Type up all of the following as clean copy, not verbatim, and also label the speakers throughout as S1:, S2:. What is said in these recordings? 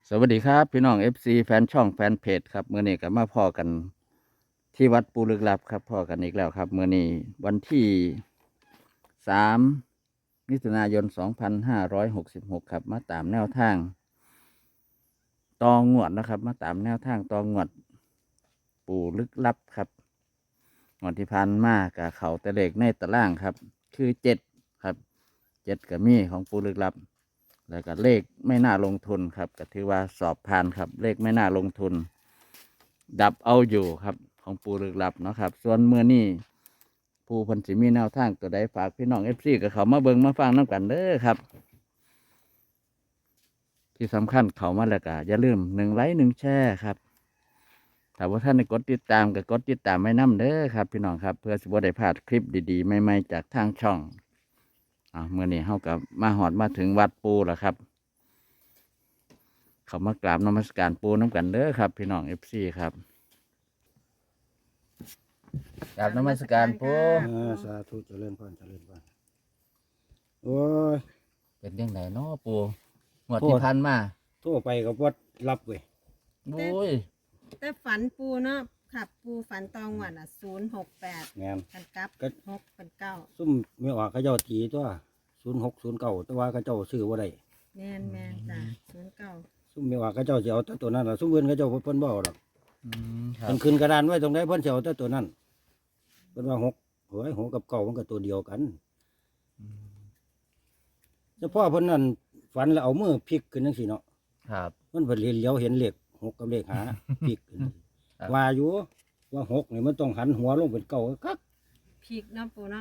S1: สวัสดีครับพี่น้อง FC แฟนช่องแฟนเพจครับมื้อนี้ก็มาพอกันที่วัดปูลึกลับครับพอกันอีกแล้วครับมื้อนี้วันที่3มิถุนายน2566ครับมาตามแนวทางตองวดนะครับมาตามแนวทางตองวดปูลึกลับครับงวดที่ผ่านมากับเขาแต่เลขในตารางครับคือ7ครับ7กับมีของปูลึกลับ แล้วก็เลขไม่น่าลงทุนครับก็ถือว่าสอบผ่านครับเลขไม่น่าลงทุน ดับเอาอยู่ครับของปูลึกลับเนาะครับส่วนเมื่อนี้ปูเพันธิมีแนวทางตัวใดฝากพี่น้องFCกับเขามาเบิงมาฟังน้ำกันเด้อครับ ที่สำคัญเขามาแล้วก็อย่าลืม1 ไลค์ 1 แชร์ครับถ้าว่าท่านได้กดติดตามก็กดติดตามไว้นำเด้อครับพี่น้องครับเพื่อสิบ่ได้พลาดคลิปดีๆใหม่ๆจากทางช่องเมื่อนี้เฮากับมาหอดมาถึงวัดปูแล้วครับ เขามากราบนมัสการปูน้ำกันเด้อครับพี่น้องFCครับกราบนมัสการปู
S2: สาธุเจริญพรเจริญพรโอ้ย
S1: เป็นยังไงเนาะปูงวดที่ผ่านมา
S2: โทรไปกับวัดรับเว้ย
S1: โอ้ย
S3: แต่ฝันปูเนาะขับปูฝันตองวัน068
S2: งาน
S3: กันกับ
S2: ก็
S3: 6เป็น9
S2: ซุ่มไม่ออกเขาเจ้าตีตัว0609แต่ว่าเขาเจ้าซื้อบ่ได้
S3: แม่นจ้ะ09
S2: ซุ่มไม่ออกเขาเจ้าสิเอาแต่ตัวนั้นล่ะซุ่มเอื่นเขาเจ้าเพิ่นบ่เอาดอก
S1: ครั
S2: เพิ่
S1: บ
S2: นขึ้นกระดานไว้ตรงใดเพิ่นสิเอาแต่ตัวนั้นเพิ่นว่า6โอ้ย6กับ9มันก็ตัวเดียวกันเฉพาะเพิ่นนั่นฝันแล้วเอามือพลิกขึ้นจังซี่เนาะ
S1: ครับ
S2: มันเพิ่นเลี้ยวเห็นเลข6กับเลข5พลิกขึ้น
S1: ครับ
S2: ว่าอยู่ว่า6นี่มันต้องหันหัวลงเป็น9คัก
S3: พริกเนาะปูเนาะ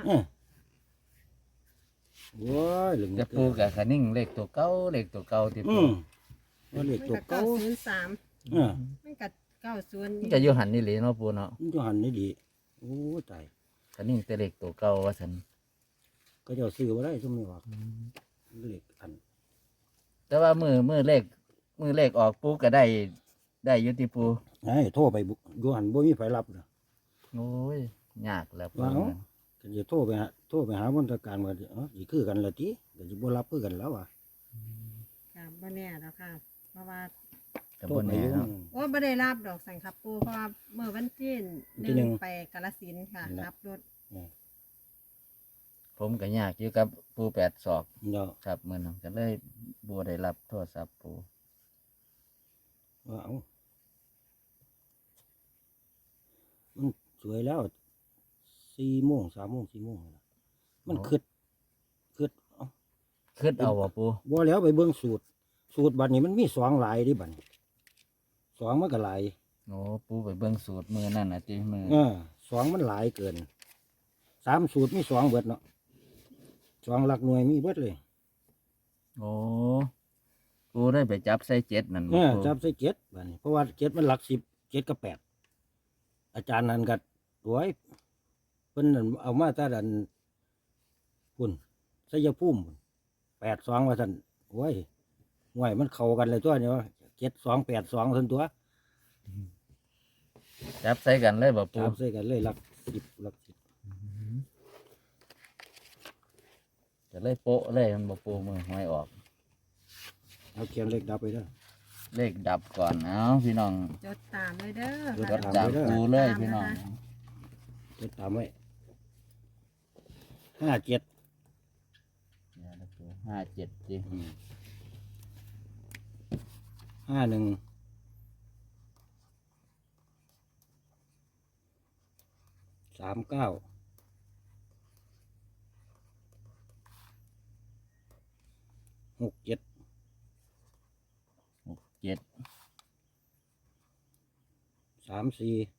S2: โอ้ยเหลือง
S1: จะปูกับขนิ่งเลขตัวเก้าเลขตัวเก้าที่
S2: อื
S1: ปู
S2: มว่าเลข
S3: มัน
S2: ตัว
S3: ก็
S2: เก่า
S3: 903
S2: อ่า
S3: มันก็90
S1: มันจะอยู่หันนี่หลีเนาะปูเนาะ
S2: มันจะหันนี่ดีโอ้ตาย
S1: ขนิ่งแต่เลขตัวเก้าว่าสัน
S2: ก็จะซื้อมาได้ซุ่มนี่ว่าเลขอัน
S1: แต่ว่ามือเลขออกปูก็ได้อยุติปู
S2: ไอ้โทรไปอยู่หันบ่มีไฟรับนะ
S1: โอ้ยยากแล้วปู
S2: ว้าวก็จะโทรไปหาบนตรการว่าสิคือกันละติก็สิบ่รับคือกันแล้วว่ะ
S3: ค่ะบ่แน่ดอกค่ะ เพราะว่า
S1: กั
S2: โทร
S1: บน
S2: ไป
S1: แน่
S2: อยู่
S1: เนาะ
S3: โอ้บ่ได้รับดอกสั่งครับปูเพราะว่าเมื่อวันที่
S2: ที่หนึ่ง
S3: 1ไปกาฬสินธุ์ค่ะ
S2: นั่นแหละ
S3: รับรถ
S1: ผมก็ยากอยู่กับปู8 ศอก
S2: เนาะ
S1: ครับมือนั้นก็เลยบัวได้รับโทรศัพท์ปู
S2: ว่าเอามันสวยแล้ว4โมง3โมง4โมงน่ะมันคึดเอ้า
S1: คิดเอาบ่ปู
S2: บ่แล้วไปเบิ่งสูตรบัดนี้มันมี2หลายดิบัดนี้2มันก็หลาย
S1: โอ้ปูไปเบิ่งสูตรมือนั่นนะจีมือ
S2: 2มันหลายเกิน3สูตรมี2เบิดเนาะ2หลักหน่วยมีเบิดเลย
S1: โอ้ปูได้ไปจับใส่7นั่นบ่ปู
S2: จับใส่7บัดนี้เพราะว่า7มันหลัก10 7กับ8อาจารย์นั่นก็โอ้ยเพิ่นนั่นเอามาแต่ดันพุ่นชัยภูมิ82ว่าซั่นโอ้ยห่วยมันเข้ากันเลยตัวนี้ว่า7282ซั่นตัว
S1: จับใส่กันเลยบ่ปู
S2: จับใส่กันเลยหลัก10หลัก10
S1: จะเลยโปะเลยมันบ่ปูมือหวยออก
S2: เอาเขียนเลขดับไปเด้อ
S1: เลขดับก่อนเอาพี่น้อง
S3: จดตามเลยเด้อ
S2: จด
S3: ค่ะ
S2: ตาม
S1: จากปูเลยพี่น้อง
S2: จดตามไว้57
S1: เดี๋ยวนะปู57จี
S2: 51 39 67
S1: 7
S2: 34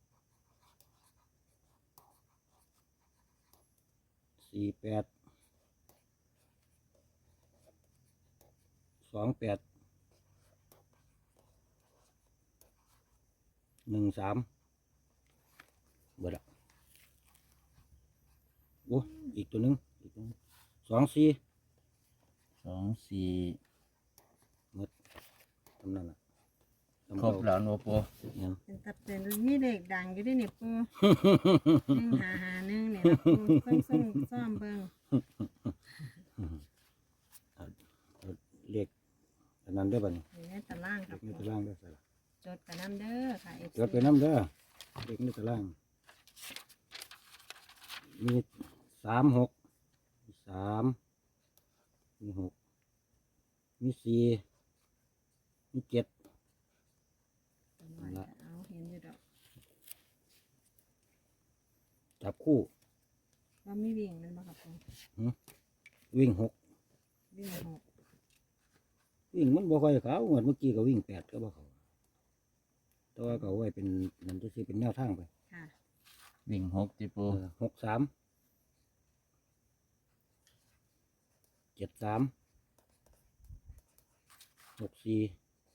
S2: 48 28 13เบิดละโอ้อีกตัวหนึง24
S1: 2 4
S2: หมดทำนั่นล่ะทำ
S1: ครบแล้วโนปู
S2: ยัง
S3: เป็นตะเป็นมีเลขดังอยู่ด้วยเนี่ยปู 155เนี่ยนะปูเพิ่งซ่อมเบิ่ง
S2: เรียกอันนั้นได้อบัดนี้
S3: อยู่ในตารางค
S2: เด็
S3: รั
S2: ก
S3: บ
S2: ใน
S3: ปู
S2: ตารางได้อใส่ละ
S3: จดกับน้ำเด้อค่ะ FC
S2: จดไปน้ำเด้อเด็กในตาราง มี36มี3มี6มี4มี7
S3: หน่อยก็เอาเห็นอยู่ดอก
S2: จับคู่
S3: ว่ามีวิ่งแมันบ่ครับปู
S2: วิ่ง6
S3: วิ่งหก
S2: วิ่งมันบ่ค่อยเขางวดเมื่อกี้ก็วิ่ง8ก็บ่เขาแต่ว่าก็เอาไว้เป็นนั่นจะสิเป็นแนวทางไป
S3: ค่ะ
S1: วิ่งหกจิปู
S2: 63 73 64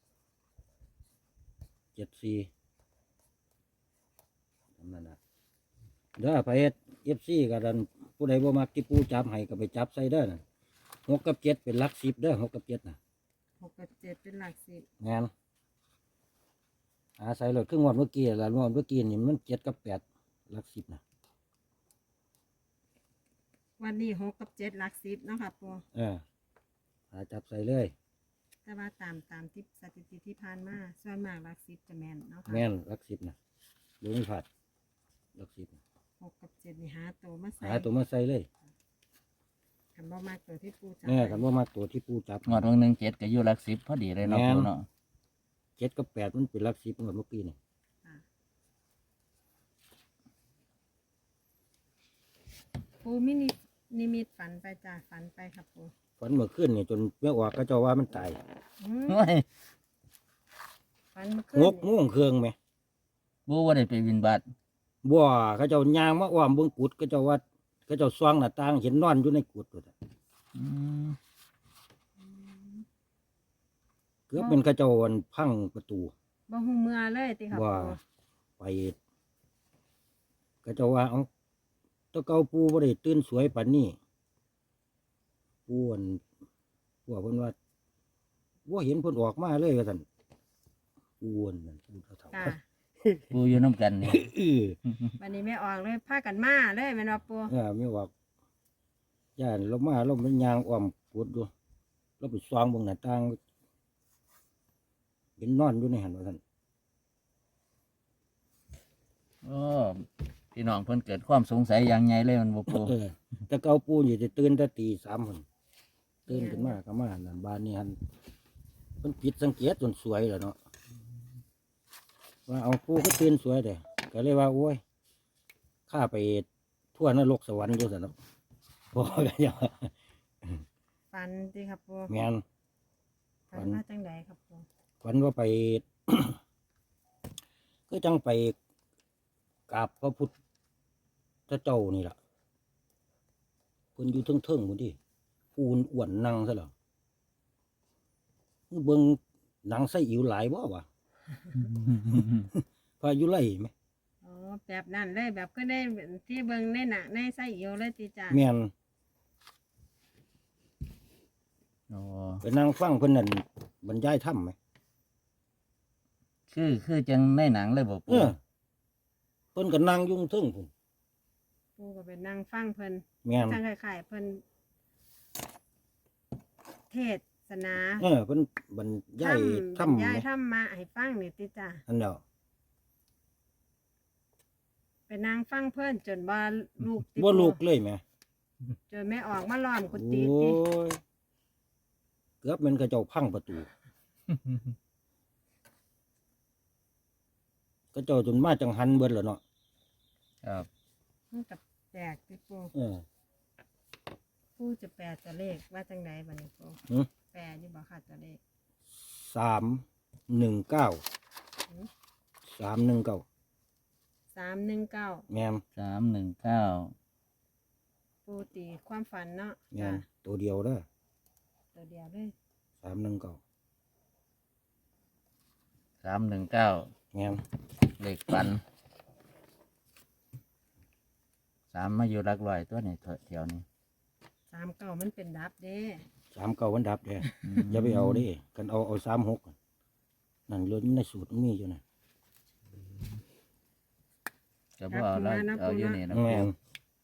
S2: 74ทำนั่นนะเด้อไปเฮ็ด FC ก็ดันผู้ใดบ่มักที่ปูจับให้ก็ไปจับใส่เด้อน่ะ6กับ7เป็นหลัก10เด้อ6กับ7น่ะ
S3: 6 กับ 7เป็นหลักสิบ
S2: งานใส่รถเครื่องงวดเมื่อกี้ละงวดเมื่อกี้นี่มัน7กับ8หลัก10น่ะ
S3: วันนี้6 กับ 7หลักสิบเนาะค่ะปู
S2: จับใส่เลย
S3: แต่ว่าตามที่สถิติที่ผ่านมาส่วนมากหลักสิบจะแม่นเนาะค่ะ
S2: แม่นหลัก10น่ะดูไม่พลาดหลัก10น่ะ
S3: 6 กับ 7นี่หาตัวมาใส่
S2: หาตัวมาใส่เลย
S3: คันบ่มากตัวที่ปูจับ
S2: กันว่ามาตัวที่ปูจับ
S1: งวดวันหนึ่ง7ก็อยู่หลักสิบพอดีเลยเนาะ
S2: แม่น
S1: ปูเนาะ
S2: 7กับ8มันเป็นหลัก10งวดเมื่อกี้นี่
S3: ค่ะปูมินิมิตฝันไปจ้าฝันไปครับปู
S2: ฝันเมื่อคืนนี่จนเมื่อออกก็เจ้าว่ามันตาย
S3: อืม
S1: โอ้ย
S3: ฝันเมื่อคืน
S2: 6 โมงเครื่องไหม
S1: ปูว่าได้ไปบินบาต
S2: บัวเขาเจ้ายางมาอ้อมเบิ่งกุดก็เจ้าว่าเขาเจ้าซ่องหน้าต่างเห็นนอนอยู่ในกุดเลย
S1: อืม
S2: เกือบเป็นเขาเจ้าวันพังประตู
S3: บ่ฮู้เมื่อเลยติครับ
S2: ว่า
S3: ปู
S2: ไปก็เจะว่าเอาแตะเกาปูบ่ได้ตื่นสวยปานนี้ปูอั่นพวกเพิ่นว่าบ่เห็นเพิ่นออกมาเลยว่าซั่นปูอั่นนั่นปูเฒ่า
S3: ค่ะ
S1: ปูอยู่น้ำกันนี่
S2: ๆเออ
S3: วันนี้ไม่ออกเลยพากันมาเลยแม่นบ่ปู
S2: ไม่ออกย่านเรามาเรามันยางอ้อมปวดอยู่เราไปซองเบิ่งหน้าต่างเห็นนอนอยู่ในหันว่าซั่น
S1: โอ้พี่น้องเพิ่นเกิดความสงสัยอย่างใหญ่เลยมันบ่ปู
S2: แต่เกาปูอยู่จะตื่นแต่ตี3พุ่นตื่นขึ้นมาก็มานั่นบ้านนี้หันเพิ่นผิดสังเกตจนสวยแล้วเนาะว่าเอาปูก็ตื่นสวยเด้ก็เลยว่าโอ้ยข้าไปทั่วนรกสวรรค์อยู่ซั่นเนาะบ่ก็อย่า
S3: ฝันติครับปู
S2: แม่น
S3: ฝันมาจังไดครับปู
S2: ฝันว่าไป ก็จังไปกราบพระพุทธเจ้านี่ล่ะเพิ่นอยู่เทิงๆพุ่นดิปูนอ้วนนั่งซะแล้วเบิ่งหนังไส้อิ๋วหลายบ่วะ พายุไล่ไหม
S3: อ๋อแบบนั้นเลยแบบก็ได้ที่เบิ่งในหนังในไส้เอียวเลยติจ้า
S2: แม่น
S1: โอ้
S2: ไปนั่งฟังเพิ่นนั่นบรรยายธรรมไหม
S1: คือจังในหนังเลยบ่
S2: เอ
S1: ปู
S2: อเพิ่นก็นั่งอยุ่งเทิงพุ่น
S3: ปูก็ไปนั่งฟังเพิ่น
S2: แม่น
S3: จังคล้ายๆเพิ่นเทศนา
S2: เพิ่นบรรยายธรรม
S3: บรรยาย
S2: ไหม
S3: ธรรมมาให้ฟังนี่ติจ้า
S2: อันเดียว
S3: ไปนั่งฟังเพิ่นจนว่าลูกติ
S2: บ่ลูกเลยไหม
S3: จนแม่ออกมาล้อมกุ
S2: โอ้
S3: ฏิติ
S2: ยเกือบแมันก็เจ้าพังประตู ก็เจ้าจนมาจังหันเบิดแล้วเนาะ
S1: ครับ
S3: มันกับแปลกติปู
S2: เออ
S3: ปูจะแปลตัวเลขว่าจังไดบัดนี้ปู
S2: หือ
S3: แปลอยู่บ่ค่ะตัวเลข
S2: 319 319
S3: 319
S2: แม่น
S1: 319
S3: ปูตีความฝันเนาะ
S2: แม่
S3: จ้ะ
S2: นตัวเดียวเด้อ
S3: ตัวเดียวเลย
S2: 319
S1: 319
S2: แม่น
S1: เลขปัน3มาอยู่หลักร้อยตัวนี้แถวนี้
S3: 39มันเป็นดับเด้
S2: 39วันดับเด้ออย่าไปเอาเดิกันเอา36นั่นรถในสูตรมันมีอยู่นะ
S1: ก็บ่เอาแล้วเอาอยู่นี่นะ
S2: แม่
S1: ปู
S2: น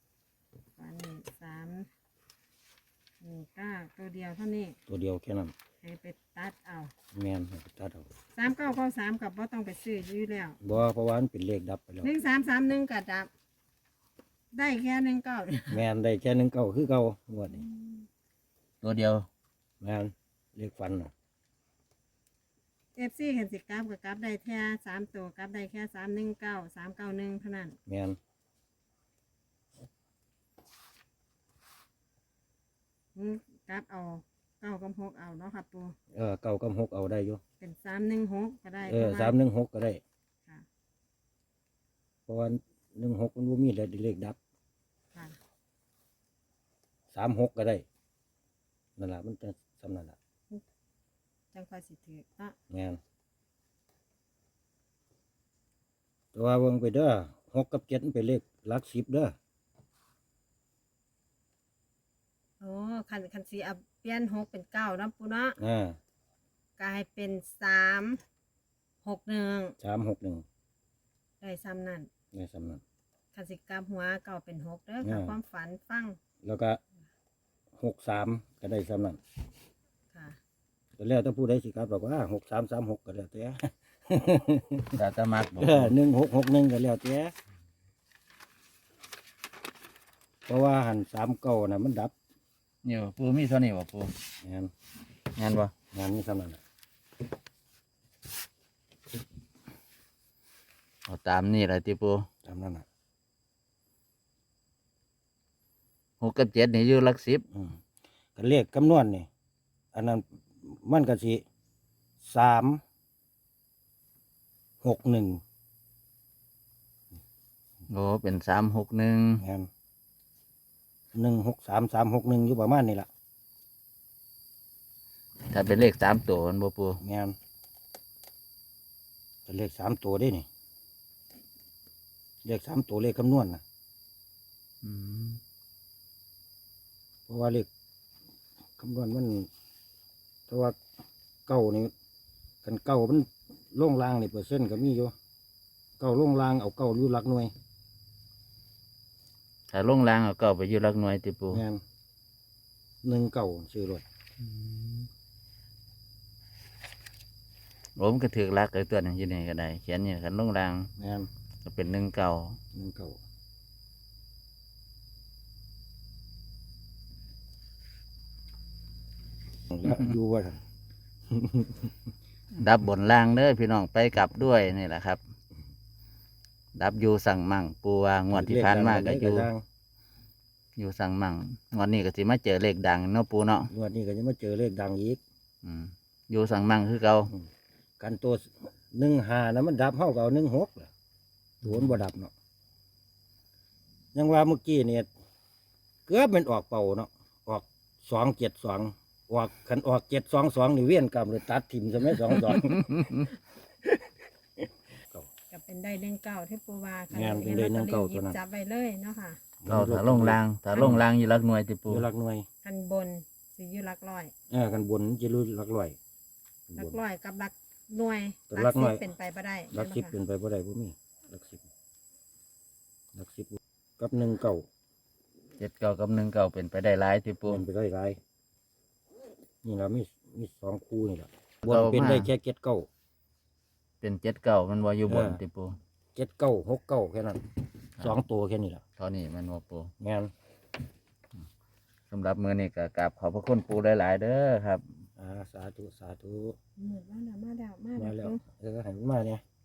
S3: ฝันนี่319ตัวเดียวเท่านี้
S2: ตัวเดียวแค่นั้น
S3: ให้ไปตัดเอา
S2: แม่นให้ไปตัดเอา
S3: 3993กับบ่ต้องไปซื้ออยู่แล้ว
S2: บ่เพราะว่ามันเป็นเลขดับไปแล้ว
S3: 1331ก็ดับ ได้แค่19
S2: แม่นได้แค่1 9คือเก่างวดนี้
S1: ตัวเดียว
S2: แม่นเลขฟันน่ะ
S3: FC เห็นสิกลับก็กลับได้แค่3ตัวกลับได้แค่319 391เท่านั้น
S2: แม่น
S3: กลับเอา9กับ6เอาเนาะค่ะปู
S2: 9กับ6เอาได้อยู่
S3: เป็น316ก็ได้
S2: 316ก็ได้
S3: ค่ะ
S2: เพราะว่า16มันบ่มีเลขดับ
S3: ค่ะ
S2: 36ก็ได้นั่นล่ะมันจะสำนั่นล่ะ
S3: จังค่อยสิถือเนาะ
S2: แม่นแต่ว่าเบิ่งไปเด้อ6กับ7มันเป็นเลขหลัก10เด้อ
S3: โอ้คันสิเอาเปลี่ยน6เป็น9เนาะปูเนาะ
S2: อ่า
S3: ก็ให้เป็น361
S2: 361
S3: ได้ซ้ำนั่น
S2: ในสำนัก
S3: คันสิกลับหัวเก่าเป็น6เด้อค่ะความฝันฟัง
S2: แล้วก็63ก็ได้สำนัก
S3: ค่ะ
S2: ก็แล้วแต่ผู้ใดสิครับบอกว่า6336ก็แล้วแต่
S1: แต่ตะมักบอก
S2: 1661ก็แล้วแต่เพราะว่าหัน39น่ะมันดับ
S1: นี่บ่ปูมีเท่านี้บ่ปู
S2: งาน
S1: งานบ่
S2: งานนี้สำนักน่ะ
S1: เอาตามนี่แหละติปู
S2: สำนักน่ะ
S1: 6กับ7นี่อยู่หลัก10
S2: ก็เลขคำนวณนี่อันนั้นมันก็สิ361
S1: โอ้เป็น361
S2: งาน163 361อยู่ประมาณนี้ล่ะ
S1: ถ้าเป็นเลข3ตัวมันบ่ปู
S2: งานเป็นเลข3ตัวได้นี่เลข3ตัวเลขคำนวณนะ
S1: อืม
S2: เพราะว่าเลขคำนวณมันแต่ว่าเก้านี่กันเก้ามันล่งลางนี่เปอร์เซ็นต์ก็มีอยู่เก้าล่งลางเอาเก้าอยู่หลักหน่วย
S1: ถ้าลงล่างเอาเก้าไปอยู่หลักหน่วยติปู
S2: งาน1 9ซื้อรถ
S1: โอ้มันก็ถือลักไอ้ตัวนึงอยู่นี่ก็ได้เขียนนี่คันลงล่าง
S2: งาน
S1: ก็เป็น19
S2: 1 9อยู่ว่าซั่น
S1: ดับบนล่างเด้อพี่น้องไปกลับด้วยนี่แหละครับ ดับอยู่สั่งมั่งปูว่างวดที่ผ่านมาก็อยู่
S2: เลขดัง
S1: อยู่สั่งมั่งงวดนี้ก็สิมาเจอเลขดังเนาะปูเนาะ
S2: งวดนี้ก็จะมาเจอเลขดังอีก
S1: อยู่สั่งมั่งคือเก่า
S2: กันตัว15นะมันดับเฮาก็เอา16ล่ะตัวมันบ่ดับเนาะยังว่าเมื่อกี้เนี่ยเกือบมันออกเป่าเนาะออก272ออกคันออก722นี่เวียนกรรมเลยตัดทิ่มซะแม่22
S3: ก็เป็นได้19ที่ปูว่าค่ะ
S2: งานเป็นได้19ตัวนั้น
S3: จับไว้เลยเนาะค่ะ
S1: เราถ้าลงล่างถ้าลงล่างอยู่หลักหน่วยติปู
S2: อยู่หลักหน่วย
S3: คันบนสิอยู่หลักร้อย
S2: กันบนจะรู้หลักร้อย
S3: หลักร้อยกับหลักหน่วย
S2: แต่หลักหน่วย
S3: 10เป็นไปบ่ได้
S2: หลัก10เป็นไปบ่ได้บ่มีหลัก10กับ19
S1: 7 9กับ1 9เป็นไปได้หลายติปู
S2: เป็นไปได้หลายนี่ล่ะมี2คู่นี่ล่ะบน
S1: เอามา
S2: เป็นได้แค่7 9
S1: เป็น7 9มันบ่อยู่บนติปู
S2: 7 9 6 9แค่นั้น2ตัวแค่นี้ล่ะ
S1: เท่านี้มันบ่ปู
S2: งาน
S1: สำหรับมื้อนี้ก็กราบขอบพระคุณปูหลายๆเด้อครับ
S2: สาธุ
S3: มาแล้ว
S2: มาแล้ว
S3: ปู
S2: ให้มันมาเนี่ย